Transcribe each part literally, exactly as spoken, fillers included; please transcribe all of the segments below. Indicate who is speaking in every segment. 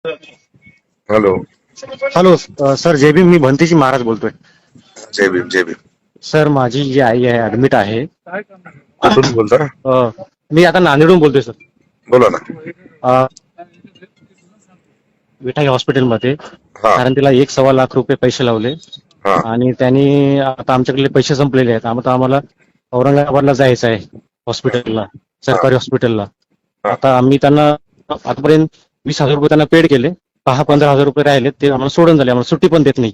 Speaker 1: Hello.
Speaker 2: Hello अ, sir जय भीम. मी भंतीजी महाराज बोलतोय.
Speaker 1: जय भीम जय भीम.
Speaker 2: सर माझी जी आई आहे ऍडमिट आहे.
Speaker 1: कुठून बोलता?
Speaker 2: अ, मी आता नांदेडहून बोलतोय सर.
Speaker 1: बोला ना.
Speaker 2: अ, विठाई हॉस्पिटलमध्ये.
Speaker 1: हा
Speaker 2: कारण तिला एक सव्वा लाख रुपये पैसे लावले
Speaker 1: हा
Speaker 2: आणि त्यांनी आता आमच्याकडे पैसे संपलेले आहेत. आता आम्हाला औरंगाबादला जायचं आहे हॉस्पिटलला,
Speaker 1: हा
Speaker 2: सरकारी हॉस्पिटलला.
Speaker 1: हा.
Speaker 2: आता आम्ही त्यांना आतापर्यंत वीस हजार रुपये त्यांना पेड केले. दहा पंधरा हजार रुपये राहिले ते आम्हाला सोडून झाले. आम्हाला सुट्टी पण देत नाही.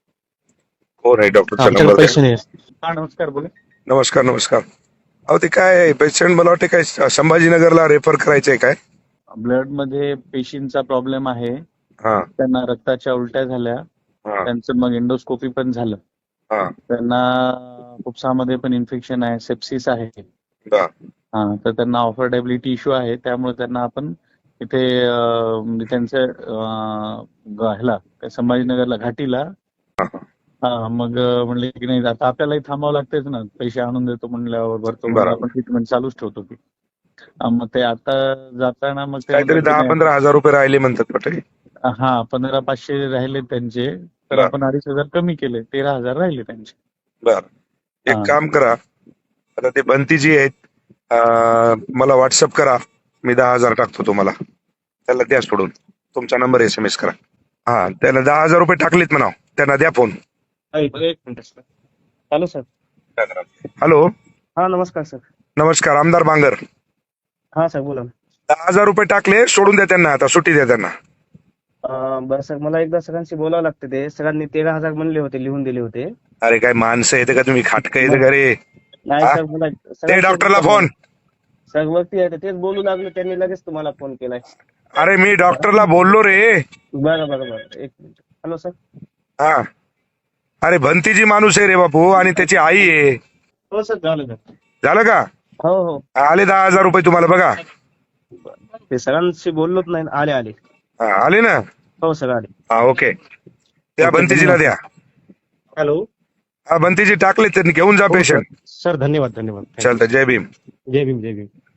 Speaker 1: कोण आहे? डॉक्टरचा
Speaker 2: आमच्याकडे
Speaker 1: नंबर द्या.
Speaker 2: पैसे नाही. हा नमस्कार बोला.
Speaker 1: नमस्कार नमस्कार. अहो ते काय पेशंट मला वाटते काय संभाजीनगरला रेफर करायचंय काय?
Speaker 3: ब्लड मध्ये पेशींचा प्रॉब्लेम आहे.
Speaker 1: हा
Speaker 3: त्यांना रक्ताच्या उलट्या झाल्या.
Speaker 1: हा
Speaker 3: त्यांचं मग एंडोस्कोपी पण झालं.
Speaker 1: हा
Speaker 3: त्यांना फुफ्सामध्ये पण इन्फेक्शन आहे, सेप्सिस आहे.
Speaker 1: हा.
Speaker 3: हा तर त्यांना ऑफर्डेबिलिटी इश्यू आहे. त्यामुळे त्यांना आपण इथे अं, म्हणजे त्यांच्या अं, ग- ह्याला काय संभाजीनगरला घाटीला. हा मग अं, म्हणले की नाही आता आपल्यालाही थांबावं लागतेच ना. पैसे आणून देतो म्हणल्यावर भरतो म्हणलं
Speaker 1: बरोबर.
Speaker 3: आपण ट्रीटमेंट चालूच ठेवतो की. हा, मग ते आता जाताना मग ते
Speaker 1: काहीतरी
Speaker 3: म्हणले की
Speaker 1: दहा
Speaker 3: नाही.
Speaker 1: पंधरा हजार रुपये राहिले म्हणतात वाटते.
Speaker 3: हा पंधरा पाचशे राहिले त्यांचे. तर
Speaker 1: बर
Speaker 3: आपण अडीच हजार कमी केले, तेरा हजार राहिले त्यांचे.
Speaker 1: बर. एक
Speaker 3: हा
Speaker 1: काम करा, आता ते बंतीजी आहेत, अं, मला व्हॉट्सअप करा. मी दहा हजार टाकतो तुम्हाला. त्याला द्या सोडून. तुमचा नंबर एस एम एस करा. हा त्याला दहा हजार रुपये टाकलेत म्हणा. त्यांना द्या फोन.
Speaker 2: एक minute sir. Hello sir.
Speaker 1: Hello.
Speaker 2: हा नमस्कार सर.
Speaker 1: नमस्कार. आमदार बांगर.
Speaker 2: हा सर बोला.
Speaker 1: दहा हजार रुपये टाकले, सोडून द्या त्यांना. आता सुट्टी द्या त्यांना.
Speaker 2: अं, बरं सर मला एकदा सगळ्यांशी बोलावं लागतं. ते सगळ्यांनी तेरा हजार म्हणले होते, लिहून दिले होते.
Speaker 1: अरे काय माणसं येते का तुम्ही? खाटकं येते
Speaker 2: मग
Speaker 1: का रे?
Speaker 2: नाही
Speaker 1: हा?
Speaker 2: सर मला
Speaker 1: ते
Speaker 2: सगळ्यांशी
Speaker 1: डॉक्टरला
Speaker 2: बोलावं
Speaker 1: फोन.
Speaker 2: लागलं. सर वरती आहे तेच बोलू लागले, त्यांनी लगेच तुम्हाला फोन केलाय.
Speaker 1: अरे मी डॉक्टरला बोललो रे.
Speaker 2: बरं बरं बरं एक मिनिट. Hello sir.
Speaker 1: हा. अरे भंतीजी माणूस आहे रे बापू, आणि त्याची आई आहे.
Speaker 2: हो सर झालं सर.
Speaker 1: झालं का?
Speaker 2: हो हो.
Speaker 1: आले दहा हजार रुपये तुम्हाला बघा.
Speaker 2: ते सगळ्यांशी बोललोच नाही. आले आले.
Speaker 1: हा आले ना.
Speaker 2: हो सर आले.
Speaker 1: हा ओके. त्या
Speaker 2: ओके,
Speaker 1: बंतीजीला
Speaker 2: धन्यवाद.
Speaker 1: द्या.
Speaker 2: हॅलो.
Speaker 1: हा बंतीजी टाकले, त्यांनी घेऊन जा
Speaker 2: हो सर.
Speaker 1: पेशंट.
Speaker 2: सर धन्यवाद धन्यवाद.
Speaker 1: चालतं. जय भीम.
Speaker 2: जय भीम जय भीम.